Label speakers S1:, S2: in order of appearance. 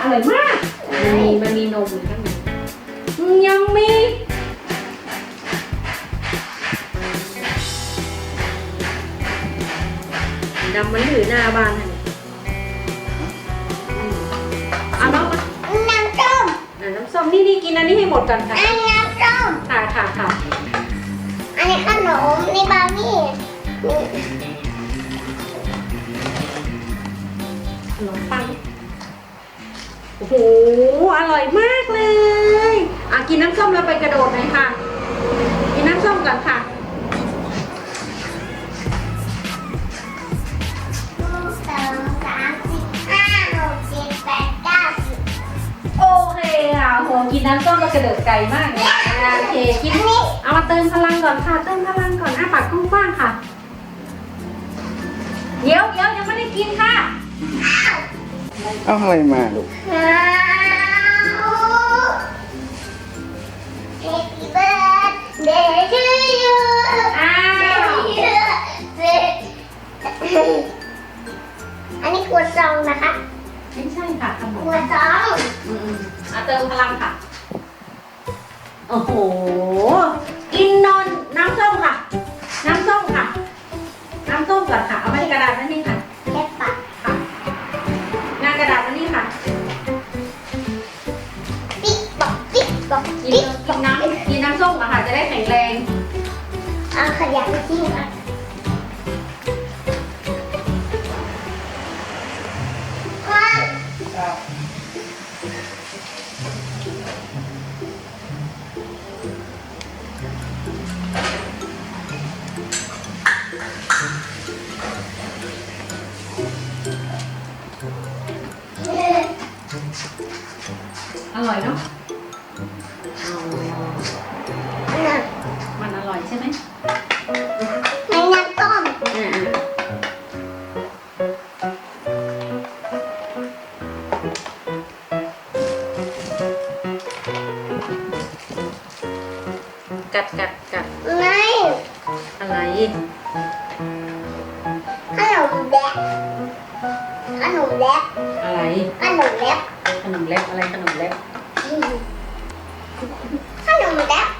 S1: ร่อยมากมันมีนมอยู่ข้างในยังมีดำมันอยู่หน้าบ้านค่ะเอาน้องมา
S2: น้ำส้ม
S1: น้ำส้มนี่กินอันนี้ให้หมดก่อนค่ะ
S2: อันนี้น้ำส้ม
S1: ค่ะ
S2: อันนี้ขนมนี่บาร์บี้
S1: ขนมปังโอ้โหอร่อยมากเลยกินน้ำส้มแล้วไปกระโดดหน่อยค่ะกินน้ำส้มก่อนค่ะโอเคค่ะโหกินน้ำส้มแล้วกระโดดไกลมากเลยโอเคกินเอามาเติมพลังก่อนค่ะเติมพลังก่อนปากกว้างๆค่ะเดี๋ยวยังไม่ได้กินค่ะ
S3: เอาอะไรมาลูก
S2: Happy birthday to you อันนี้ขวดซองนะคะ
S1: ไม่ใช่ค่ะขนม
S2: ขวดซอง
S1: เติมพลังค่ะโอ้โหกินนอนน้ำส้มค่ะน้ำส้มค่ะน้ำส้มก่อนค่ะเอาไปกระดาษนั่นนี่ค่ะ
S2: แค่ปาก
S1: ค่ะงานกระดาษนั่นนี่ค่ะ
S2: ติ๊กบอกติ๊กบอก
S1: กินน้ำส้มอะค่ะจะได้แข็งแรง
S2: เอาขยะไปทิ้งอ่ะ
S1: อร่อยเนาะมันอร่อยใช่ไหม
S2: มันน้ำต้ม
S1: กัด
S2: ไม่
S1: อะไร
S2: ขนมแดกขนมแดก
S1: อะไร
S2: ขนมแดก
S1: ขนมเล็บอะไรขนมเล็บ
S2: ขนมแดก